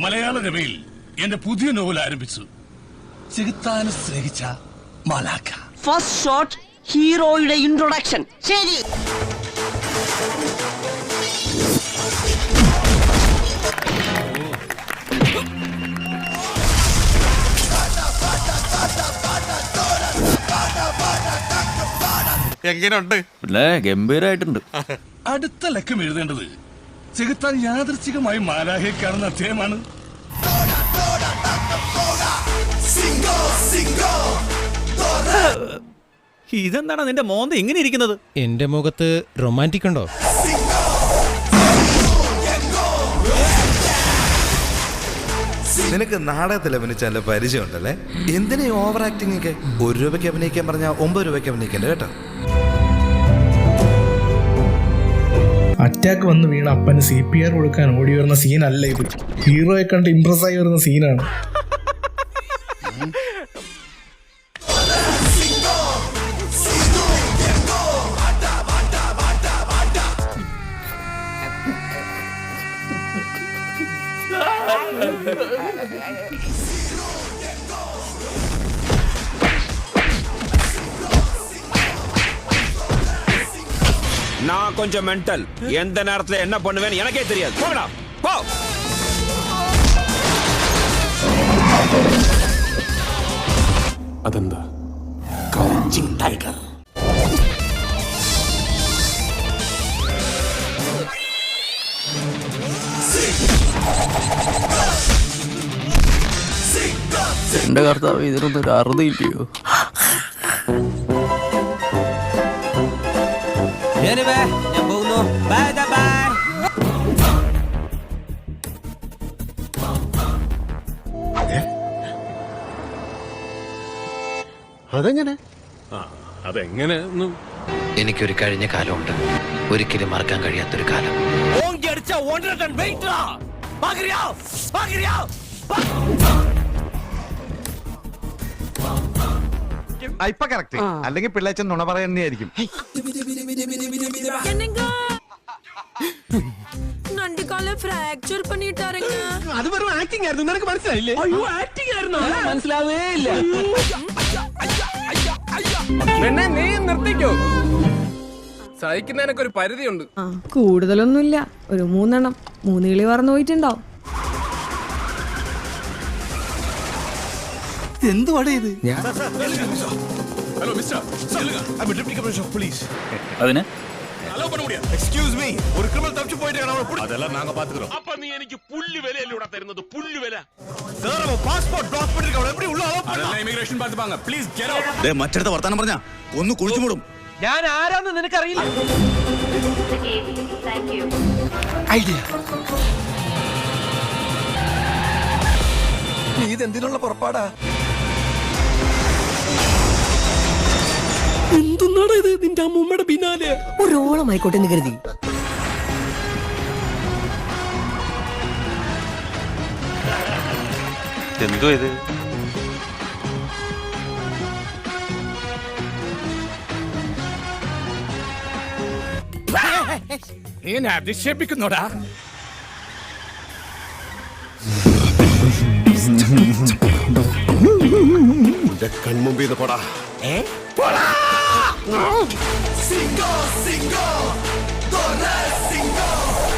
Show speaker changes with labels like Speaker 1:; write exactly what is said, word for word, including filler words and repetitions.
Speaker 1: മലയാള രമയിൽ എന്റെ പുതിയ നോവൽ ആരംഭിച്ചു. ചെകുത്താനെ സ്നേഹിച്ച മാലാഖ.
Speaker 2: ഫസ്റ്റ് ഷോട്ട് ഹീറോയുടെ ഇൻട്രൊഡക്ഷൻ. ശരി.
Speaker 3: എങ്ങനെയുണ്ട്?
Speaker 4: ഗംഭീരായിട്ടുണ്ട്.
Speaker 1: അടുത്ത ലക്കം എഴുതേണ്ടത് ചെകുത്താൻ യാദൃച്ഛികമായി മാലാഖയെ കാണുന്ന അധ്യായമാണ്.
Speaker 4: ഇതെന്താണ് നിന്റെ മോന്ത ഇങ്ങനെ ഇരിക്കുന്നത്?
Speaker 5: എന്റെ മുഖത്ത് റൊമാൻറ്റിക് ഉണ്ടോ?
Speaker 6: നിനക്ക് നാടകത്തിൽ അഭിനയിച്ചാൽ പരിചയം ഉണ്ടല്ലേ? എന്തിനാ ഓവർ ആക്ടിംഗ് ഒക്കെ? ഒരു രൂപയ്ക്ക് അഭിനയിക്കാൻ പറഞ്ഞാൽ ഒമ്പത് രൂപയ്ക്ക് അഭിനയിക്കണ്ട കേട്ടോ.
Speaker 7: അറ്റാക്ക് വന്ന് വീണ അപ്പന് സി പി ആർ കൊടുക്കാൻ ഓടി വരുന്ന സീനല്ല ഇത്. ഹീറോയെ കണ്ട് ഇംപ്രസ് ആയി വരുന്ന സീനാണ്.
Speaker 8: நான் கொஞ்சம் மென்டல். எந்த நேரத்துல என்ன பண்ணுவேன்னு எனக்கே தெரியாது. போடா போ.
Speaker 9: അതെന്താ? Crouching tiger.
Speaker 4: എന്റെ കർത്താവ്, ഇതിനൊന്നും ഒരു അറുതില്ലയോ?
Speaker 2: ഞാൻ പോകുന്നു. Bye bye.
Speaker 9: അതെങ്ങനെ? അതെങ്ങനെ?
Speaker 10: എനിക്കൊരു കഴിഞ്ഞ കാലമുണ്ട്, ഒരിക്കലും മറക്കാൻ കഴിയാത്തൊരു കാലം.
Speaker 3: ഇപ്പൊ കറക്റ്റ്. അല്ലെങ്കിൽ പിള്ളേച്ചൻ നുണ പറയുന്നതായിരിക്കും.
Speaker 11: ഫ്രാക്ചർ പണിയിട്ടാരങ്ങ.
Speaker 5: അത് വെറും ആക്ടിംഗ് ആയിരുന്നു. നിനക്ക് മനസ്സിലായില്ലേ?
Speaker 2: അയ്യോ, ആക്ടിംഗ് ആയിരുന്നു. മനസ്സിലാവേ ഇല്ല.
Speaker 5: പെണ്ണെ, നീ നിർത്തിക്കോ. സഹിക്കുന്നതിനൊക്കെ ഒരു പരിധിയുണ്ട്.
Speaker 11: കൂടുതലൊന്നുമില്ല, ഒരു മൂന്നെണ്ണം. മൂന്ന് കിളി പറന്നു പോയിട്ടുണ്ടാവും.
Speaker 4: എന്തുവാടേ ഇത്?
Speaker 1: ഹലോ മിസ്റ്റർ,
Speaker 4: അതിന്
Speaker 1: എക്സ്ക്യൂസ് മീ, ഒരു ക്രിമിനൽ തപ്പിച്ചു പോയിട്ട് അതെല്ലാം നാങ്ക പാത്തുக்கிறோம். அப்ப நீ എനിക്ക് പുല്ല് വിലയല്ലൂടാ തരുന്നത്, പുല്ല് വില. സാർ പാസ്പോർട്ട് ബ്ലോക്ക് பண்ணிருக்காங்க. எப்படி உள்ள அதெல்லாம் ഇമിഗ്രേഷൻ പാത്തുപാங்க. Please get out.
Speaker 6: ദേ മറ്റടുത്ത വർത്താനം പറഞ്ഞാ ഒന്ന് കുഴിച്ചു മൂടും.
Speaker 2: ഞാൻ ആരാന്ന് നിനക്കറിയില്ല.
Speaker 6: ഐഡിയ. നീ ഇതെന്തിനുള്ള പുറപ്പാടാ?
Speaker 5: എന്തുന്നാണ് ഇത്? നിന്റെ അമ്മൂമ്മയുടെ പിന്നാലെ
Speaker 2: ഒരോളമായിക്കോട്ടെ എന്ന് കരുതി.
Speaker 8: എന്തോ ഇത്?
Speaker 5: നീ എന്നെ അധിക്ഷേപിക്കുന്നോടാ.
Speaker 9: കൺമുമ്പിൽ നിന്ന് പോടാ.
Speaker 1: Cinco, cinco, Torres, cinco.